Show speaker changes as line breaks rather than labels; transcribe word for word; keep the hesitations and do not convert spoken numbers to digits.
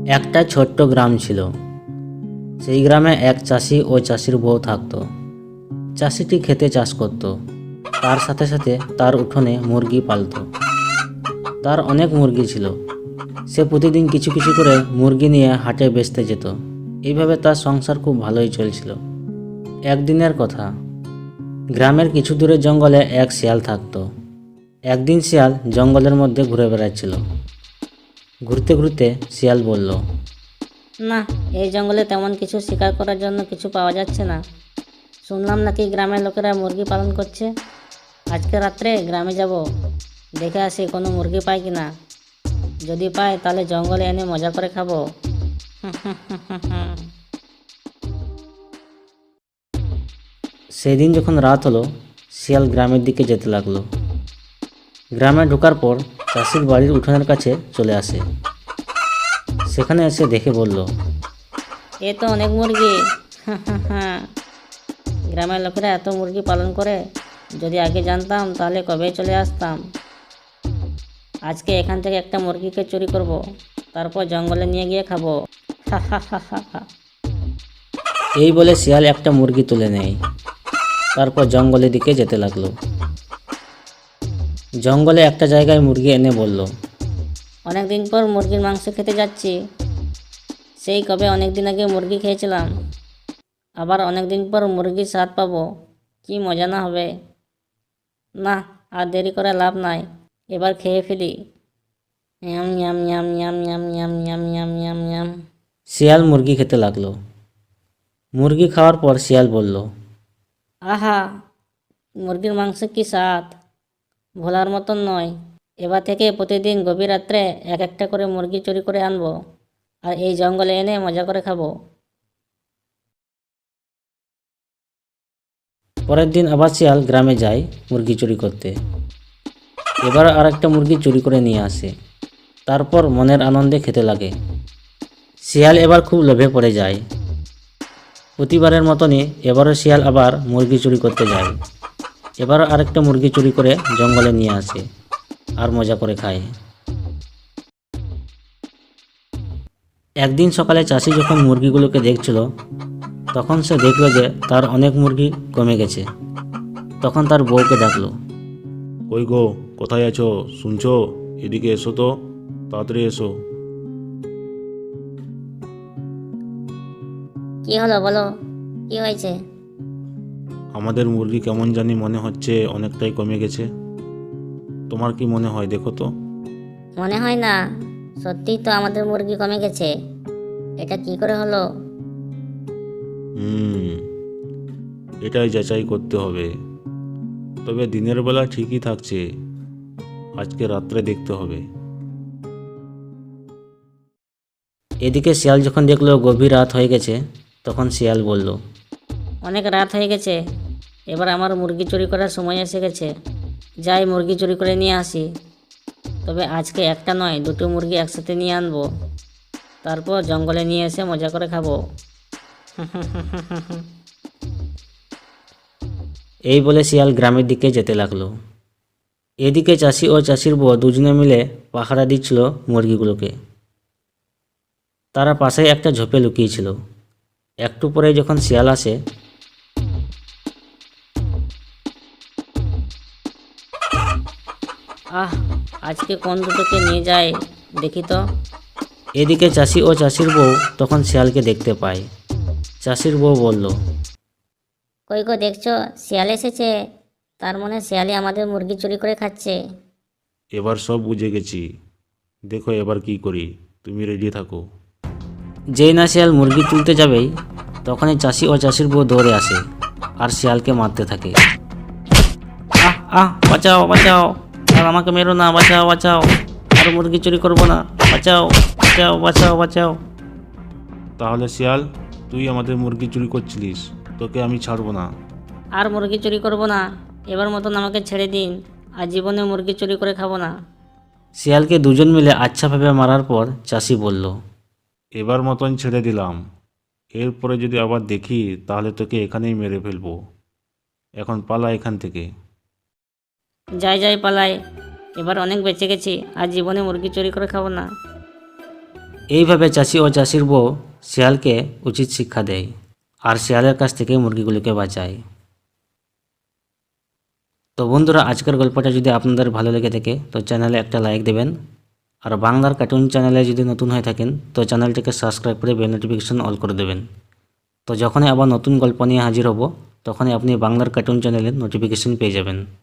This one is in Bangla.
একটা ছোট্ট গ্রাম ছিল। সেই গ্রামে এক চাষি ও চাষির বউ থাকতো। চাষিটি খেতে চাষ করত, তার সাথে সাথে তার উঠোনে মুরগি পালত। তার অনেক মুরগি ছিল। সে প্রতিদিন কিছু কিছু করে মুরগি নিয়ে হাটে বেচতে যেত। এইভাবে তার সংসার খুব ভালোই চলছিল। একদিনের কথা, গ্রামের কিছু দূরে জঙ্গলে এক শিয়াল থাকতো। একদিন শিয়াল জঙ্গলের মধ্যে ঘুরে বেড়াচ্ছিল। ঘুরতে ঘুরতে শিয়াল বলল,
না, এই জঙ্গলে তেমন কিছু শিকার করার জন্য কিছু পাওয়া যাচ্ছে না। শুনলাম নাকি গ্রামের লোকেরা মুরগি পালন করছে। আজকে রাত্রে গ্রামে যাব, দেখে আসি কোনো মুরগি পাই কিনা। যদি পাই তাহলে জঙ্গলে এনে মজা করে খাবো।
সেদিন যখন রাত হলো, শিয়াল গ্রামের দিকে যেতে লাগলো। গ্রামে ঢোকার পর চাষির বাড়ির উঠোনের কাছে চলে আসে। সেখানে এসে দেখে বলল,
এ তো অনেক মুরগি। গ্রামের লোকেরা এত মুরগি পালন করে, যদি আগে জানতাম তাহলে কবেই চলে আসতাম। আজকে এখান থেকে একটা মুরগিকে চুরি করব, তারপর জঙ্গলে নিয়ে গিয়ে খাবো।
এই বলে শিয়াল একটা মুরগি তুলে নেয়। তারপর জঙ্গলের দিকে যেতে লাগলো। জঙ্গলে একটা জায়গায় মুরগি এনে বলল,
অনেক দিন পর মুরগির মাংস খেতে যাচ্ছি। সেই কবে অনেক দিন আগে মুরগি খেয়েছিলাম, আবার অনেক দিন পর মুরগির স্বাদ পাবো। কি মজা না হবে। না, আর দেরি করে লাভ নাই, এবার খেয়ে ফেলি। Yum yum yum yum yum yum yum yum yum yum.
শিয়াল মুরগি খেতে লাগলো। মুরগি খাওয়ার পর শিয়াল বলল,
আহা, মুরগির মাংস কি স্বাদ, ভোলার মতন নয়। এবার থেকে প্রতিদিন গভীর রাত্রে এক একটা করে মুরগি চুরি করে আনবো, আর এই জঙ্গলে এনে মজা করে খাবো।
পরের দিন আবার শিয়াল গ্রামে যায় মুরগি চুরি করতে। এবার আর একটা মুরগি চুরি করে নিয়ে আসে। তারপর মনের আনন্দে খেতে লাগে। শিয়াল এবার খুব লোভে পড়ে যায়। প্রতিবারের মতনই এবারও শিয়াল আবার মুরগি চুরি করতে যায়। এবারও আরেকটা মুরগি চুরি করে জঙ্গলে নিয়ে আসে আর মজা করে খায়। একদিন সকালে চাষি যখন মুরগিগুলোকে দেখছিল, তখন সে দেখল যে তার অনেক মুরগি কমে গেছে। তখন তার বউকে ডাকলো।
কই গো, কোথায় আছো? শুনছো? এদিকে এসো তো, তাড়াতাড়ি এসো।
কি হলো বলো, কি হয়েছে?
আমাদের মুরগি কেমন জানি মনে হচ্ছে অনেকটাই কমে গেছে। তোমার কি মনে হয়, দেখো তো?
মনে হয় না, সত্যিই তো আমাদের মুরগি কমে গেছে। এটা কি করে হলো?
হুম এটাই যাচাই করতে হবে। তবে দিনের বেলা ঠিকই থাকছে, আজকে রাত্রে দেখতে হবে।
এদিকে শিয়াল যখন দেখলো গভীর রাত হয়ে গেছে, তখন শিয়াল বলল,
অনেক রাত হয়ে গেছে, এবার আমার মুরগি চুরি করার সময় এসে গেছে। যাই মুরগি চুরি করে নিয়ে আসি। তবে আজকে একটা নয়, দুটো মুরগি একসাথে নিয়ে আনবো, তারপর জঙ্গলে নিয়ে এসে মজা করে খাবো।
এই বলে শিয়াল গ্রামের দিকে যেতে লাগলো। এদিকে চাষি ও চাষির বউ দুজনে মিলে পাহারা দিচ্ছিল মুরগিগুলোকে। তারা পাশে একটা ঝোপে লুকিয়েছিল। একটু পরে যখন শিয়াল আসে,
আহ, আজকে কোন দুটোকে নিয়ে যায় দেখি তো।
এদিকে চাষি ও চাষির বউ তখন শিয়ালকে দেখতে পায়। চাষির বউ বলল,
কই গো, দেখছো শিয়াল এসেছে? তার মানে শিয়ালই আমাদের মুরগি চুরি করে খাচ্ছে।
এবার সব বুঝে গেছি, দেখো এবার কি করি, তুমি রেডি থাকো।
যেই না শিয়াল মুরগি তুলতে যাবেই, তখনই চাষি ও চাষির বউ দৌড়ে আসে আর শিয়ালকে মারতে থাকে। আহ আহ বাঁচাও বাঁচাও, আর আমাকে মেরো না, বাঁচাও বাঁচাও, আর মুরগি চুরি করবো না, বাঁচাও বাঁচাও বাঁচাও বাঁচাও।
তাহলে শিয়াল, তুই আমাদের মুরগি চুরি করছিলিস, তোকে আমি ছাড়বো না।
আর মুরগি চুরি করব না, এবার মতন আমাকে ছেড়ে দিন, আর জীবনে মুরগি চুরি করে খাবো না।
শিয়ালকে দুজন মিলে আচ্ছাভাবে মারার পর চাষি বলল,
এবার মতন ছেড়ে দিলাম, এরপরে যদি আবার দেখি তাহলে তোকে এখানেই মেরে ফেলবো। এখন পালা এখান থেকে।
যাই যাই পালাই, এবার অনেক বেঁচে গেছি, আর জীবনে মুরগি চুরি করে খাবো না।
এইভাবে চাষি ও চাষির বউ শিয়ালকে উচিত শিক্ষা দেয় আর শিয়ালের কাছ থেকে মুরগিগুলোকে বাঁচায়। তো বন্ধুরা, আজকের গল্পটা যদি আপনাদের ভালো লেগে থাকে তো চ্যানেলে একটা লাইক দেবেন, আর বাংলার কার্টুন চ্যানেলে যদি নতুন হয়ে থাকেন তো চ্যানেলটিকে সাবস্ক্রাইব করে বেল নোটিফিকেশন অল করে দেবেন। তো যখনই আবার নতুন গল্প নিয়ে হাজির হব তখনই আপনি বাংলার কার্টুন চ্যানেলের নোটিফিকেশন পেয়ে যাবেন।